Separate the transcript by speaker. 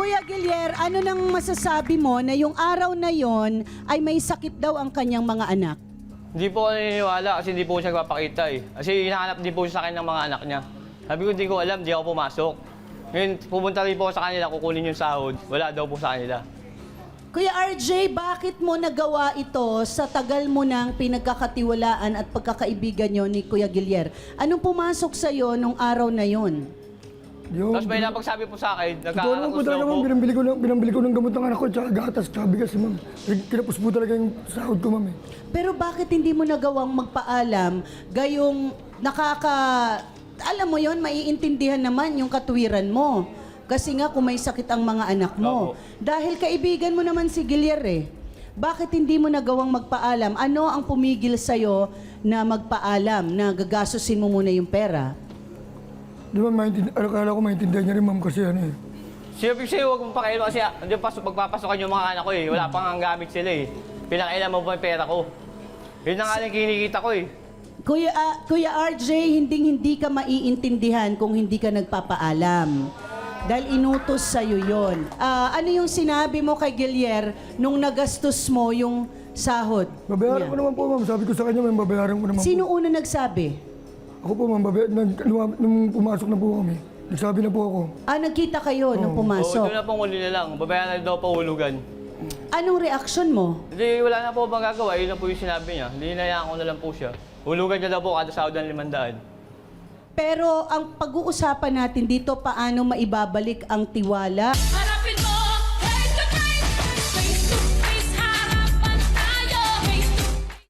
Speaker 1: Kuya Guillier, ano nang masasabi mo na yung araw na yon ay may sakit daw ang kanyang mga anak?
Speaker 2: Hindi po ako naniniwala kasi hindi po siya nagpapakita eh. Kasi hinahanap din po siya sa akin ng mga anak niya. Sabi ko, hindi ko alam, hindi ako pumasok. Ngayon, pupunta rin po ako sa kanila, kukunin yung sahod. Wala daw po sa kanila.
Speaker 1: Kuya RJ, bakit mo nagawa ito sa tagal mo ng pinagkakatiwalaan at pagkakaibigan nyo ni Kuya Guillier? Anong pumasok sa'yo nung araw na yon?
Speaker 3: Yung,
Speaker 2: Tapos may napagsabi po sa akin,
Speaker 3: totoo naman po
Speaker 2: nagkakakus daw
Speaker 3: talaga,
Speaker 2: po.
Speaker 3: ma'am. Binambili ko ng gamot ng anak ko, tsaka gatas, tsaka bigas, ma'am. Kinapos po talaga yung sahod ko, ma'am.
Speaker 1: Pero bakit hindi mo nagawang magpaalam gayong alam mo yon, maiintindihan naman yung katwiran mo. Kasi nga kung may sakit ang mga anak mo.
Speaker 2: Opo.
Speaker 1: Dahil kaibigan mo naman si Guillier eh. Bakit hindi mo nagawang magpaalam? Ano ang pumigil sa'yo na magpaalam, na gagastusin mo muna yung pera?
Speaker 3: Di ba, akala ko maintindihan niya rin, ma'am, kasi ano eh.
Speaker 2: Siyempre siya, huwag mong pakialam kasi hindi magpapasokan yung mga anak ko eh. Wala pang ang gamit sila eh. Pinakailan mo ba yung pera ko? Yun na nga lang kinikita ko eh.
Speaker 1: Kuya RJ, hindi ka maiintindihan kung hindi ka nagpapaalam. Dahil inutos sa'yo yun. Ano yung sinabi mo kay Guillier nung nagastos mo yung sahod
Speaker 3: Babayaran
Speaker 1: niya?
Speaker 3: ko naman po, ma'am. Sabi ko sa kanya, ma'am, babayaran ko naman
Speaker 1: Sino
Speaker 3: po.
Speaker 1: una nagsabi?
Speaker 3: Ako po, ma'am, nung pumasok na po kami, nagsabi na po ako.
Speaker 1: Nagkita kayo nung
Speaker 2: Oo,
Speaker 1: pumasok.
Speaker 2: doon na pong huli na lang. Babayaran na daw pa hulugan.
Speaker 1: Anong reaksyon mo?
Speaker 2: Hindi, wala na po magagawa. Yun na po yung sinabi niya. Hindi hinayaan ko na lang po siya. Hulugan niya daw po kada sahod ng 500.
Speaker 1: Pero ang pag-uusapan natin dito, paano maibabalik ang tiwala